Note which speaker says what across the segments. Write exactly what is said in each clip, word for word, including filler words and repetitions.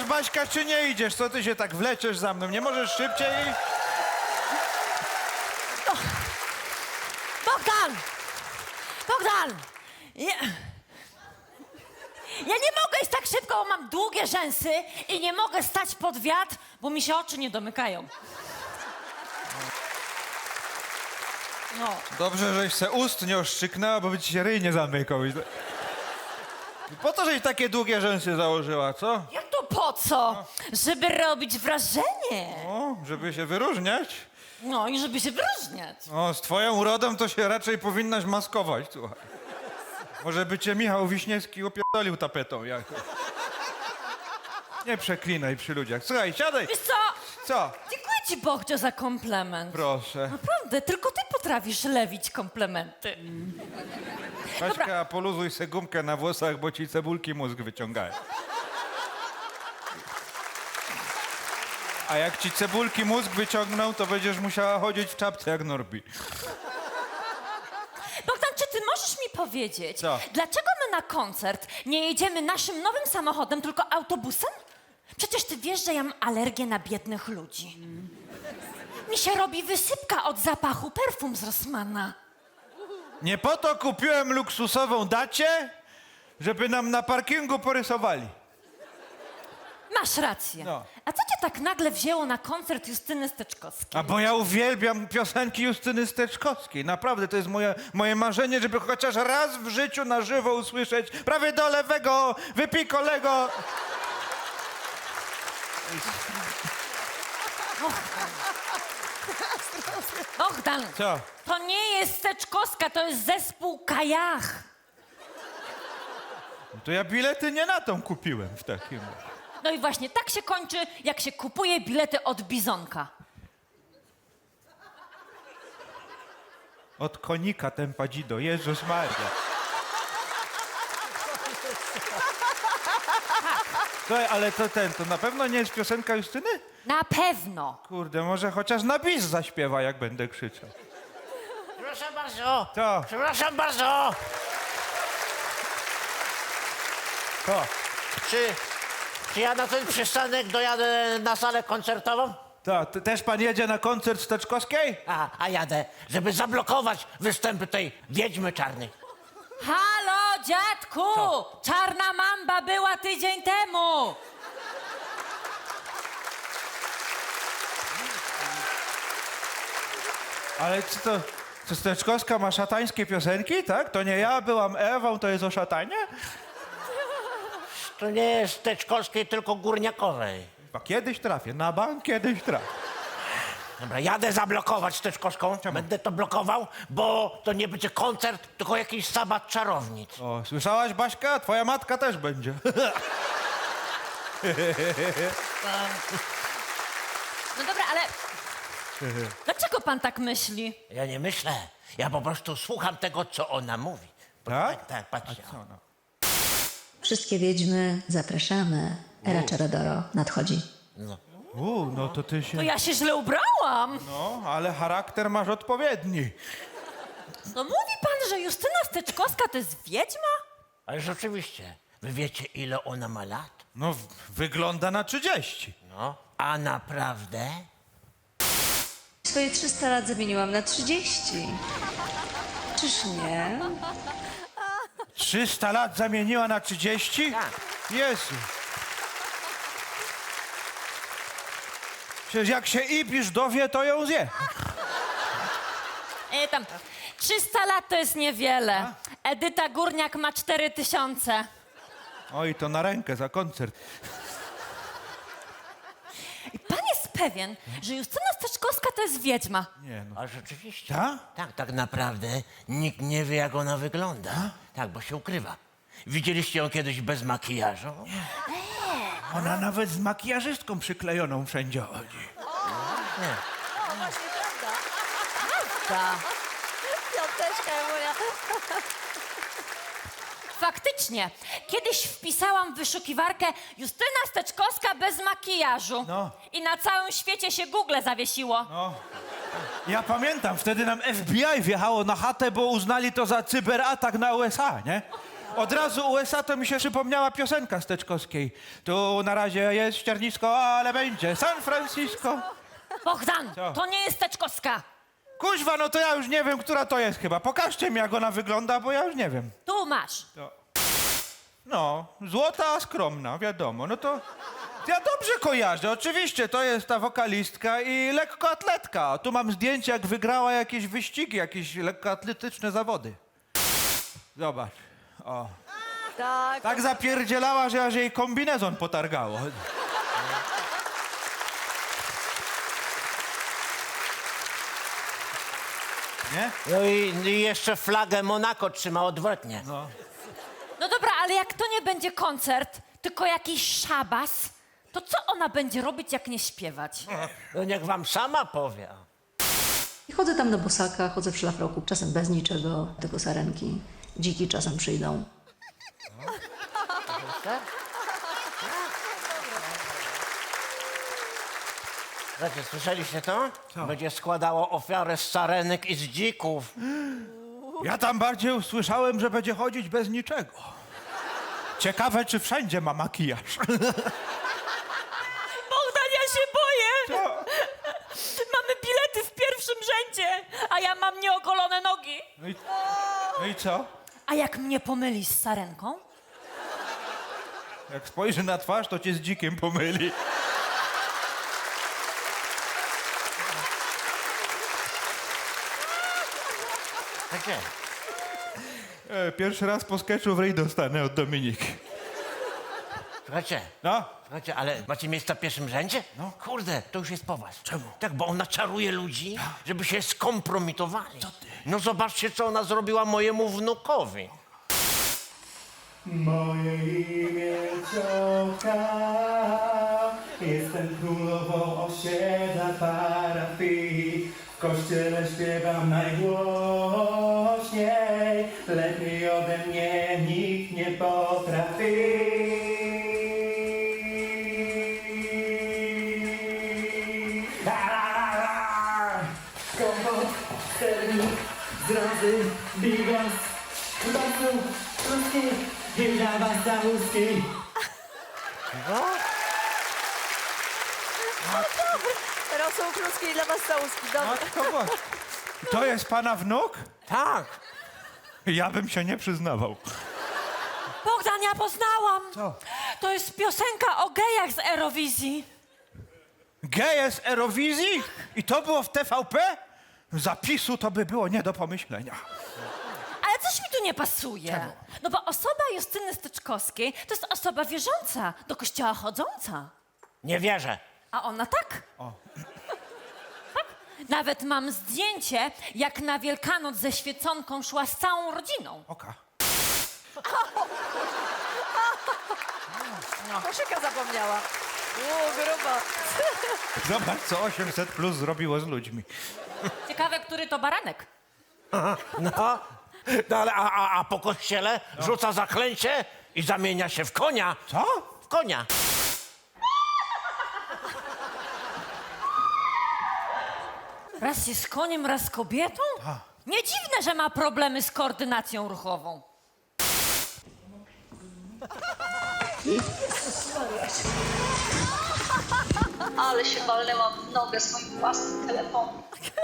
Speaker 1: Baśka, czy nie idziesz? Co ty się tak wleczesz za mną? Nie możesz szybciej?
Speaker 2: Bogdan! Bogdan! Ja... ja nie mogę iść tak szybko, bo mam długie rzęsy i nie mogę stać pod wiatr, bo mi się oczy nie domykają. No.
Speaker 1: Dobrze, żeś se ust nie oszczyknęła, bo by ci się ryj nie zamykał. I po co żeś takie długie rzęsy założyła, co?
Speaker 2: Jak to po co? Żeby robić wrażenie.
Speaker 1: O, żeby się wyróżniać?
Speaker 2: No i żeby się wyróżniać.
Speaker 1: O, z twoją urodą to się raczej powinnaś maskować, słuchaj. Może by cię Michał Wiśniewski opierdolił tapetą jakoś. Nie przeklinaj przy ludziach. Słuchaj, siadaj.
Speaker 2: Wiesz co?
Speaker 1: Co?
Speaker 2: Dziękuję ci, Bohcio, za komplement.
Speaker 1: Proszę.
Speaker 2: Naprawdę, tylko ty potrafisz lewić komplementy.
Speaker 1: Kaśka, poluzuj se gumkę na włosach, bo ci cebulki mózg wyciągają. A jak ci cebulki mózg wyciągną, to będziesz musiała chodzić w czapce jak Norbi.
Speaker 2: Bogdan, czy ty możesz mi powiedzieć,
Speaker 1: Co?
Speaker 2: dlaczego my na koncert nie jedziemy naszym nowym samochodem, tylko autobusem? Przecież ty wiesz, że ja mam alergię na biednych ludzi. Mi się robi wysypka od zapachu perfum z Rossmana.
Speaker 1: Nie po to kupiłem luksusową dacię, żeby nam na parkingu porysowali.
Speaker 2: Masz rację.
Speaker 1: No.
Speaker 2: A co cię tak nagle wzięło na koncert Justyny Steczkowskiej?
Speaker 1: A bo ja uwielbiam piosenki Justyny Steczkowskiej. Naprawdę, to jest moje, moje marzenie, żeby chociaż raz w życiu na żywo usłyszeć prawie do lewego, wypikolego.
Speaker 2: Bogdan,
Speaker 1: Co?
Speaker 2: to nie jest Steczkowska, to jest zespół Kajach.
Speaker 1: To ja bilety nie na tą kupiłem w takim.
Speaker 2: No i właśnie tak się kończy, jak się kupuje bilety od Bizonka.
Speaker 1: Od konika Tempadzido. Jezus Maria. Słuchaj, ale to ten, to na pewno nie jest piosenka Justyny?
Speaker 2: Na pewno.
Speaker 1: Kurde, może chociaż na bis zaśpiewa, jak będę krzyczał.
Speaker 3: Przepraszam bardzo.
Speaker 1: Co?
Speaker 3: Przepraszam bardzo.
Speaker 1: To.
Speaker 3: Czy, czy ja na ten przystanek dojadę na salę koncertową?
Speaker 1: To, to też pan jedzie na koncert Steczkowskiej?
Speaker 3: A, a jadę, żeby zablokować występy tej wiedźmy czarnej.
Speaker 2: Halo, dziadku! Czarna mamba była tydzień temu.
Speaker 1: Ale co to, co Steczkowska ma szatańskie piosenki, tak? To nie ja byłam Ewą, to jest o szatanie?
Speaker 3: To nie jest Teczkowskiej, tylko Górniakowej.
Speaker 1: A kiedyś trafię, na bank kiedyś trafię.
Speaker 3: Dobra, jadę zablokować Teczkowską.
Speaker 1: Czemu?
Speaker 3: Będę to blokował, bo to nie będzie koncert, tylko jakiś sabat czarownic.
Speaker 1: O, słyszałaś, Baśka? Twoja matka też będzie.
Speaker 2: No dobra, ale dlaczego pan tak myśli?
Speaker 3: Ja nie myślę, ja po prostu słucham tego, co ona mówi.
Speaker 1: Tak?
Speaker 3: Tak, tak, patrzcie.
Speaker 1: Co no?
Speaker 4: Wszystkie wiedźmy zapraszamy. Era Czarodoro nadchodzi.
Speaker 1: U, no to ty się...
Speaker 2: To ja się źle ubrałam.
Speaker 1: No, ale charakter masz odpowiedni.
Speaker 2: No mówi pan, że Justyna Steczkowska to jest wiedźma?
Speaker 3: Ale rzeczywiście, wy wiecie, ile ona ma lat?
Speaker 1: No, w- wygląda na trzydzieści.
Speaker 3: No, a naprawdę?
Speaker 4: Swoje trzysta lat zamieniłam na trzydzieści. Czyż nie?
Speaker 1: trzysta lat zamieniła na trzydzieści?
Speaker 3: Tak.
Speaker 1: Jezu. Przecież jak się Ibisz dowie, to ją zje.
Speaker 2: E, tam, trzysta lat to jest niewiele. Edyta Górniak ma cztery tysiące.
Speaker 1: Oj, to na rękę za koncert.
Speaker 2: I pan jest pewien, że Justyna Steczkowska to jest wiedźma.
Speaker 1: Nie no.
Speaker 3: A rzeczywiście.
Speaker 1: Ta?
Speaker 3: Tak, tak naprawdę nikt nie wie, jak ona wygląda. Tak, bo się ukrywa. Widzieliście ją kiedyś bez makijażu?
Speaker 1: Ona nawet z makijażystką przyklejoną wszędzie chodzi.
Speaker 3: Nie.
Speaker 2: Ta. Faktycznie. Kiedyś wpisałam w wyszukiwarkę Justyna Steczkowska bez makijażu.
Speaker 1: No.
Speaker 2: I na całym świecie się Google zawiesiło.
Speaker 1: No. Ja pamiętam, wtedy nam F B I wjechało na chatę, bo uznali to za cyberatak na U S A, nie? Od razu U S A to mi się przypomniała piosenka Steczkowskiej. Tu na razie jest ściernisko, ale będzie San Francisco.
Speaker 2: Bogdan,
Speaker 1: Co?
Speaker 2: to nie jest Teczkowska.
Speaker 1: Kuźwa, no to ja już nie wiem, która to jest chyba. Pokażcie mi, jak ona wygląda, bo ja już nie wiem.
Speaker 2: Tu masz.
Speaker 1: To... No, złota, a skromna, wiadomo. No to ja dobrze kojarzę. Oczywiście, to jest ta wokalistka i lekkoatletka. Tu mam zdjęcie, jak wygrała jakieś wyścigi, jakieś lekkoatletyczne zawody. Zobacz. O.
Speaker 5: Tak.
Speaker 1: Tak zapierdzielała, że aż jej kombinezon potargało. Nie?
Speaker 3: No i, i jeszcze flagę Monako trzyma odwrotnie.
Speaker 2: No dobra, ale jak to nie będzie koncert, tylko jakiś szabas, to co ona będzie robić, jak nie śpiewać?
Speaker 3: No niech wam sama powie.
Speaker 4: I chodzę tam na bosaka, chodzę w szlafroku, czasem bez niczego, tylko sarenki. Dziki czasem przyjdą.
Speaker 3: Słuchajcie, słyszeliście to? Będzie składało ofiarę z sarenek i z dzików.
Speaker 1: Ja tam bardziej usłyszałem, że będzie chodzić bez niczego. Ciekawe, czy wszędzie ma makijaż.
Speaker 2: Bogdan, ja się boję!
Speaker 1: Co?
Speaker 2: Mamy bilety w pierwszym rzędzie, a ja mam nieogolone nogi.
Speaker 1: No i, no i co?
Speaker 2: A jak mnie pomylisz z sarenką?
Speaker 1: Jak spojrzy na twarz, to cię z dzikiem pomyli.
Speaker 3: Słuchajcie,
Speaker 1: E, pierwszy raz po sketchu w ryj dostanę od Dominiki.
Speaker 3: słuchajcie,
Speaker 1: No,
Speaker 3: słuchajcie, ale macie miejsca w pierwszym rzędzie? No. Kurde, to już jest po was.
Speaker 1: Czemu?
Speaker 3: Tak, bo ona czaruje ludzi, żeby się skompromitowali. Co ty? No zobaczcie, co ona zrobiła mojemu wnukowi.
Speaker 6: Moje imię Ciotka, jestem królową osiedla parafii. W kościele śpiewam najgłośniej, lepiej ode mnie nikt nie potrafi. La, la, la. Kompot, sternik, zrazy, bigos, basu, ruski i dla was całuski.
Speaker 5: Rosół Kluski dla was całuski. Dobra.
Speaker 1: matko boska. To jest pana wnuk?
Speaker 3: Tak.
Speaker 1: Ja bym się nie przyznawał.
Speaker 2: Bogdan, ja poznałam.
Speaker 1: Co?
Speaker 2: To jest piosenka o gejach z Eurowizji.
Speaker 1: Geje z Eurowizji? I to było w T V P? Zapisu to by było nie do pomyślenia.
Speaker 2: Ale coś mi tu nie pasuje. No bo osoba Justyny Styczkowskiej to jest osoba wierząca, do kościoła chodząca.
Speaker 3: Nie wierzę.
Speaker 2: A ona tak. Tak. Nawet mam zdjęcie, jak na Wielkanoc ze świeconką szła z całą rodziną.
Speaker 1: Oka.
Speaker 5: Koszyka zapomniała. Uuu, grubo.
Speaker 1: Zobacz, co osiemset plus zrobiło z ludźmi.
Speaker 2: Ciekawe, który to baranek.
Speaker 3: No, no ale a, a, a po kościele rzuca zaklęcie i zamienia się w konia.
Speaker 1: Co?
Speaker 3: W konia.
Speaker 2: Raz jest koniem, raz kobietą? Nie dziwne, że ma problemy z koordynacją ruchową.
Speaker 7: Ale się walnęłam w nogę swoim własnym telefonem.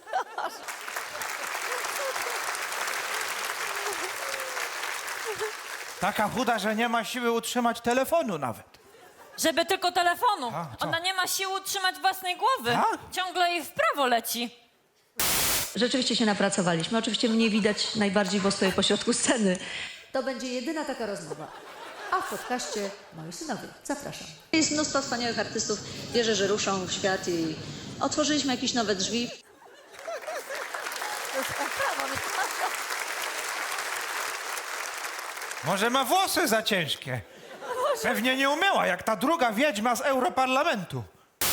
Speaker 1: Taka chuda, że nie ma siły utrzymać telefonu nawet.
Speaker 2: Żeby tylko telefonu.
Speaker 1: A, co?
Speaker 2: Ona nie ma siły utrzymać własnej głowy.
Speaker 1: Tak?
Speaker 2: Ciągle jej w prawo leci.
Speaker 4: Rzeczywiście się napracowaliśmy. Oczywiście mnie widać najbardziej, bo stoję pośrodku sceny.
Speaker 8: To będzie jedyna taka rozmowa. A w podcaście moi synowie. Zapraszam.
Speaker 4: Jest mnóstwo wspaniałych artystów. Wierzę, że ruszą w świat i otworzyliśmy jakieś nowe drzwi.
Speaker 1: Może ma włosy za ciężkie. Pewnie nie umyła, jak ta druga wiedźma z Europarlamentu.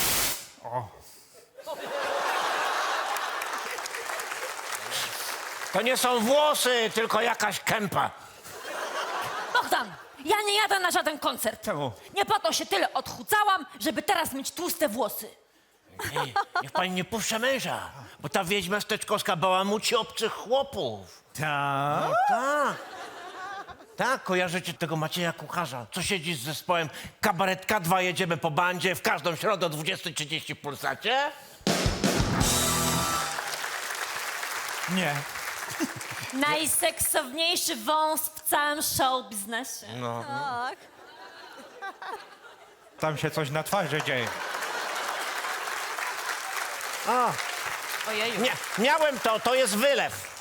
Speaker 3: To nie są włosy, tylko jakaś kępa.
Speaker 2: Bogdan, ja nie jadę na żaden koncert.
Speaker 1: Czemu?
Speaker 2: Nie po to się tyle odchudzałam, żeby teraz mieć tłuste włosy.
Speaker 3: Ej, niech pani nie puszcza męża, bo ta wiedźma Steczkowska bałamuci obcych chłopów.
Speaker 1: Tak?
Speaker 3: Tak. Tak, kojarzycie tego Macieja Kucharza, co siedzi z zespołem Kabaret K dwa, jedziemy po bandzie w każdą środę o dwudziesta trzydzieści w Polsacie?
Speaker 1: Nie.
Speaker 2: Najseksowniejszy wąs w całym show biznesie.
Speaker 3: No.
Speaker 5: Tak.
Speaker 1: Tam się coś na twarzy dzieje.
Speaker 3: A,
Speaker 2: Ojeju.
Speaker 3: nie, miałem to, to jest wylew.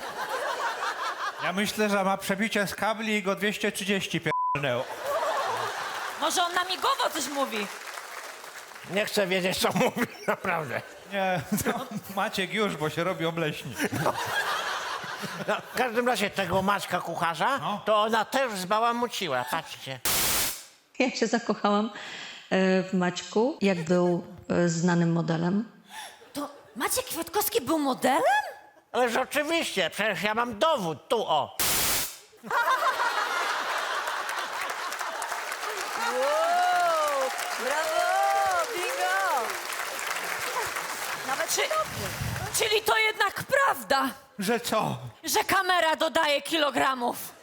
Speaker 1: Ja myślę, że ma przebicie z kabli i go dwieście trzydzieści pierdolnęło.
Speaker 2: Może on namigowo coś mówi.
Speaker 3: Nie chcę wiedzieć, co mówi, naprawdę.
Speaker 1: Nie, to Maciek już, bo się robi obleśni.
Speaker 3: No, w każdym razie tego Maćka Kucharza,
Speaker 1: No.
Speaker 3: to ona też zbałamuciła, patrzcie.
Speaker 4: Ja się zakochałam e, w Maćku, jak był e, znanym modelem.
Speaker 2: To Maciek Kwiatkowski był modelem?
Speaker 3: Ależ oczywiście, przecież ja mam dowód, tu o.
Speaker 5: Wow, brawo, bingo. Nawet
Speaker 2: Czy, czyli to jednak prawda,
Speaker 1: Że co?
Speaker 2: że kamera dodaje kilogramów.